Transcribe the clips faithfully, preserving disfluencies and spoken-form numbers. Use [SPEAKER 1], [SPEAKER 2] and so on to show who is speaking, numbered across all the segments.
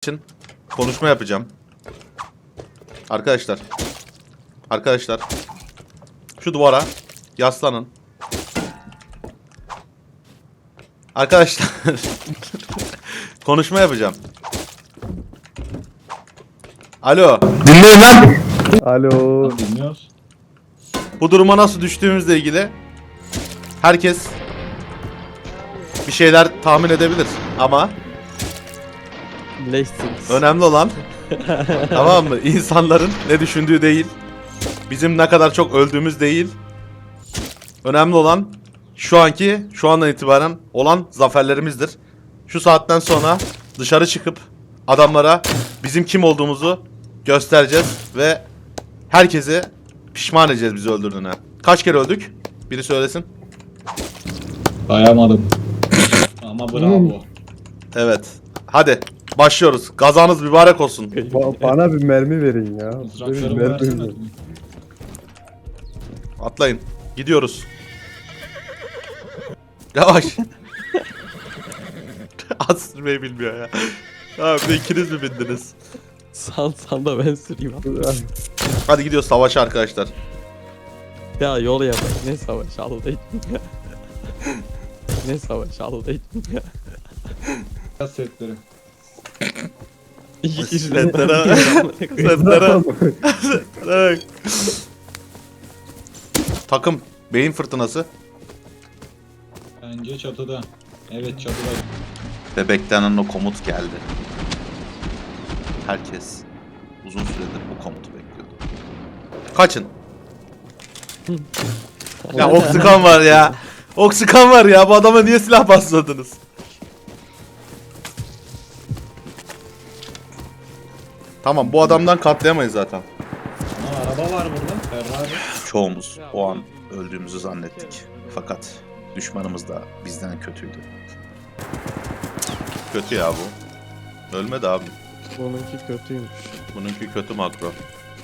[SPEAKER 1] için konuşma yapacağım. Arkadaşlar. Arkadaşlar. Şu duvara yaslanın. Arkadaşlar. Konuşma yapacağım. Alo.
[SPEAKER 2] Dinleyin lan.
[SPEAKER 3] Alo.
[SPEAKER 4] Dinliyoruz.
[SPEAKER 1] Bu duruma nasıl düştüğümüzle ilgili herkes bir şeyler tahmin edebilir ama
[SPEAKER 3] Leşsiniz.
[SPEAKER 1] önemli olan tamam mı? İnsanların ne düşündüğü değil. Bizim ne kadar çok öldüğümüz değil. Önemli olan şu anki, şu andan itibaren olan zaferlerimizdir. Şu saatten sonra dışarı çıkıp adamlara bizim kim olduğumuzu göstereceğiz ve herkesi pişman edeceğiz bizi öldürdüğüne. Kaç kere öldük? Biri söylesin.
[SPEAKER 4] Dayamadım. Ama bravo.
[SPEAKER 1] Evet. Hadi başlıyoruz. Gazanız mübarek olsun.
[SPEAKER 3] Ba- bana bir mermi verin ya. Bir
[SPEAKER 4] Mızraklarımı
[SPEAKER 3] mermi
[SPEAKER 4] versene.
[SPEAKER 3] verin.
[SPEAKER 1] Atlayın. Gidiyoruz. Yavaş. At sürmeyi bilmiyor ya. Abi bir de ikiniz mi bindiniz?
[SPEAKER 5] San san da ben süreyim abi.
[SPEAKER 1] Hadi gidiyoruz savaşa arkadaşlar.
[SPEAKER 5] Ya yol yap. Ne savaş Allah için ya. Ne savaş Allah için ya.
[SPEAKER 4] Biraz setleri.
[SPEAKER 5] İki kişi
[SPEAKER 1] Setlere. Setlere. Setlere. Takım. Beyin fırtınası.
[SPEAKER 4] Bence çatıda. Evet çatıda.
[SPEAKER 1] Ve beklenen o komut geldi. Herkes uzun süredir bu komutu bekliyordu. Kaçın. Ya oksikan var ya. Oksikan var ya. Bu adama niye silah basmadınız? Tamam bu adamdan katlayamayız zaten.
[SPEAKER 4] Aa, araba var burada. Ferrari.
[SPEAKER 1] Çoğumuz o an öldüğümüzü zannettik. Fakat düşmanımız da bizden kötüydü. Kötü ya bu. Ölmedi abi.
[SPEAKER 5] Bununki kötüymüş.
[SPEAKER 1] Bununki kötü makro.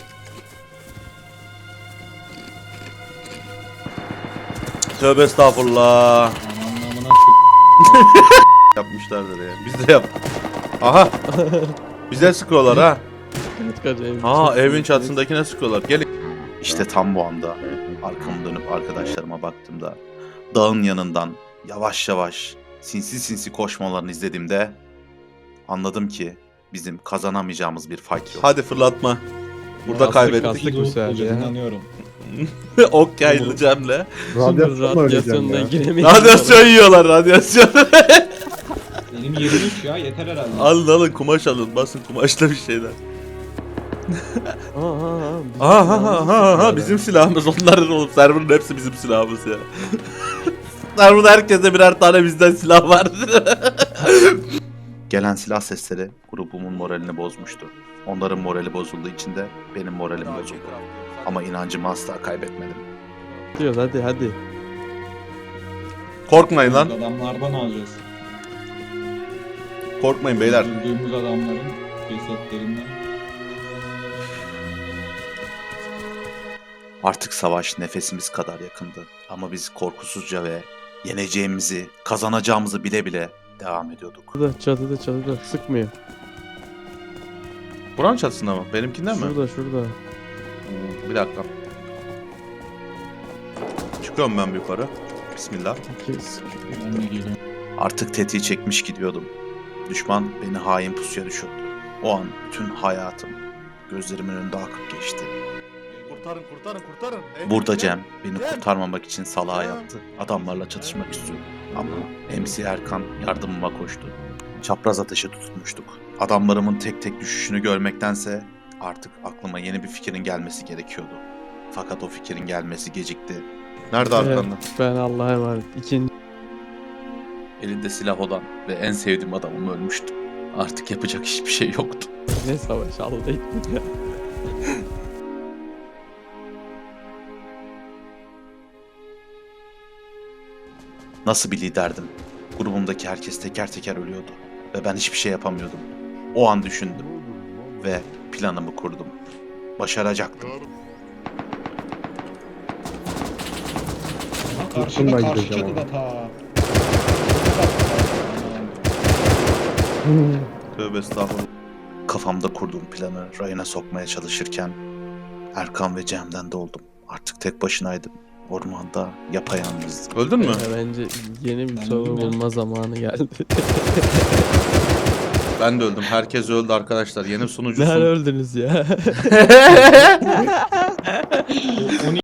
[SPEAKER 1] Tövbe estağfurullah.
[SPEAKER 4] Anlamına
[SPEAKER 1] Yapmışlardır ya. Biz de yap. Aha. Bize sıkıyorlar ha.
[SPEAKER 5] Kaç kaç evin
[SPEAKER 1] Aa
[SPEAKER 5] çatısı.
[SPEAKER 1] evin çatısındakine sıkıyorlar. Gelin. İşte tam bu anda arkamı dönüp arkadaşlarıma baktığımda dağın yanından yavaş yavaş sinsi sinsi koşmalarını izlediğimde anladım ki bizim kazanamayacağımız bir fight yok. Hadi fırlatma. Burada
[SPEAKER 5] Aslı
[SPEAKER 1] kaybettik.
[SPEAKER 5] kastık bu sefer
[SPEAKER 4] hocam
[SPEAKER 5] ya.
[SPEAKER 4] inanıyorum.
[SPEAKER 1] Ok yaylı Cem'le.
[SPEAKER 3] Radyasyon mu öleceğim
[SPEAKER 5] Radyasyondan
[SPEAKER 3] ya?
[SPEAKER 5] giremeyiz.
[SPEAKER 1] Radyasyon yiyorlar radyasyon.
[SPEAKER 4] Benim yirmi üç ya yeter herhalde.
[SPEAKER 1] alın alın kumaş alın basın kumaşla bir şeyler.
[SPEAKER 5] Aha aha. bizim
[SPEAKER 1] Aha aha
[SPEAKER 5] silahımız
[SPEAKER 1] aha, aha
[SPEAKER 5] sıkıyorlar.
[SPEAKER 1] bizim silahımız onların oğlum serverın hepsi bizim silahımız ya. Serverda herkese birer tane bizden silah var. Gelen silah sesleri grubumun moralini bozmuştu. Onların morali bozulduğu için de benim moralim bozuldu. Ama inancımı asla kaybetmedim.
[SPEAKER 5] Diyoruz hadi hadi.
[SPEAKER 1] Korkmayın lan.
[SPEAKER 4] Adamlardan alacağız.
[SPEAKER 1] Korkmayın beyler.
[SPEAKER 4] Öldürdüğümüz adamların cesetlerinden.
[SPEAKER 1] Artık savaş nefesimiz kadar yakındı. Ama biz korkusuzca ve yeneceğimizi, kazanacağımızı bile bile devam ediyorduk.
[SPEAKER 5] Çatıda çatıda çatıda sıkmıyor.
[SPEAKER 1] Buranın çatısında mı? Benimkinden mi?
[SPEAKER 5] Şurada şurada.
[SPEAKER 1] Hmm, Bir dakika. Çıkıyorum ben bir yukarı. Bismillah.
[SPEAKER 5] İki sıkıyor.
[SPEAKER 4] Ben de geliyorum.
[SPEAKER 1] Artık tetiği çekmiş gidiyordum. Düşman beni hain pusuya düşürdü. O an bütün hayatım gözlerimin önünde akıp geçti. Kurtarın kurtarın kurtarın.
[SPEAKER 3] Burada Cem beni kurtarmamak için salağa yattı. Adamlarla çatışmak istiyordu. Ama M C Erkan yardımıma koştu. Çapraz ateşe tutulmuştuk. Adamlarımın tek tek düşüşünü görmektense artık aklıma yeni bir fikrin gelmesi gerekiyordu. Fakat o fikrin gelmesi gecikti.
[SPEAKER 1] Nerede arkanda?
[SPEAKER 5] Evet, ben Allah'a emanet. İkinci.
[SPEAKER 3] Elinde silah olan ve en sevdiğim adamım ölmüştü. Artık yapacak hiçbir şey yoktu.
[SPEAKER 5] Ne savaş Allah için ya.
[SPEAKER 3] Nasıl bir liderdim? Grubumdaki herkes teker teker ölüyordu. Ve ben hiçbir şey yapamıyordum. O an düşündüm. Ve planımı kurdum. Başaracaktım.
[SPEAKER 4] Ha,
[SPEAKER 3] Kurşunla
[SPEAKER 4] karşıda karşı
[SPEAKER 3] gideceğim
[SPEAKER 4] çatıda ta.
[SPEAKER 1] Tövbe estağfurullah.
[SPEAKER 3] Kafamda kurduğum planı rayına sokmaya çalışırken Erkan ve Cem'den de oldum. Artık tek başınaydım. Ormanda yapayalnızdım.
[SPEAKER 1] Öldün mü?
[SPEAKER 5] Ya bence yeni bir
[SPEAKER 4] Ben
[SPEAKER 5] soru
[SPEAKER 4] öldüm ya.
[SPEAKER 5] bulma zamanı geldi.
[SPEAKER 1] Ben de öldüm. Herkes öldü arkadaşlar. Yeni sunucusun.
[SPEAKER 5] Nerede öldünüz ya?
[SPEAKER 4] O- on